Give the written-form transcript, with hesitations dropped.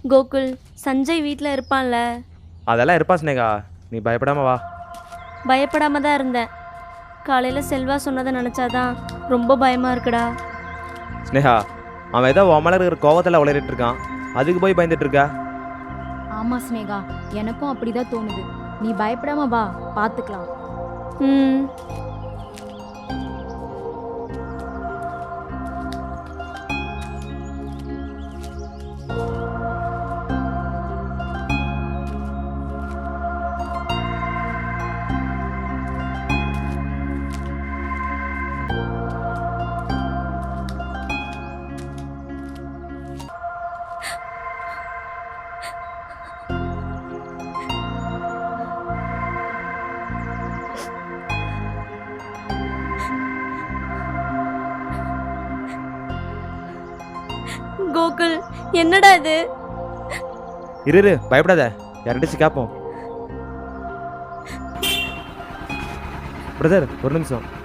கோகுல், சஞ்சய் வீட்டில் இருப்பான்ல? அதெல்லாம் இருப்பா ஸ்னேகா, நீ பயப்படாம வா. பயப்படாம தான் இருந்தேன். காலையில் செல்வா சொன்னதை நினச்சாதான் ரொம்ப பயமாக இருக்குடா. ஸ்னேகா, அவன் ஏதோ உன் மேலே இருக்கிற கோவத்தில் உளறிட்டு இருக்கான், அதுக்கு போய் பயந்துட்டு இருக்கா? ஆமா ஸ்னேகா, எனக்கும் அப்படிதான் தோணுது. நீ பயப்படாம வா, பார்த்துக்கலாம். ம். கோகுல், என்னடா இது? இரு பயப்படாத, யார்கிட்டச்சு கேட்போம். பிரதர் ஒரு நிமிஷம்.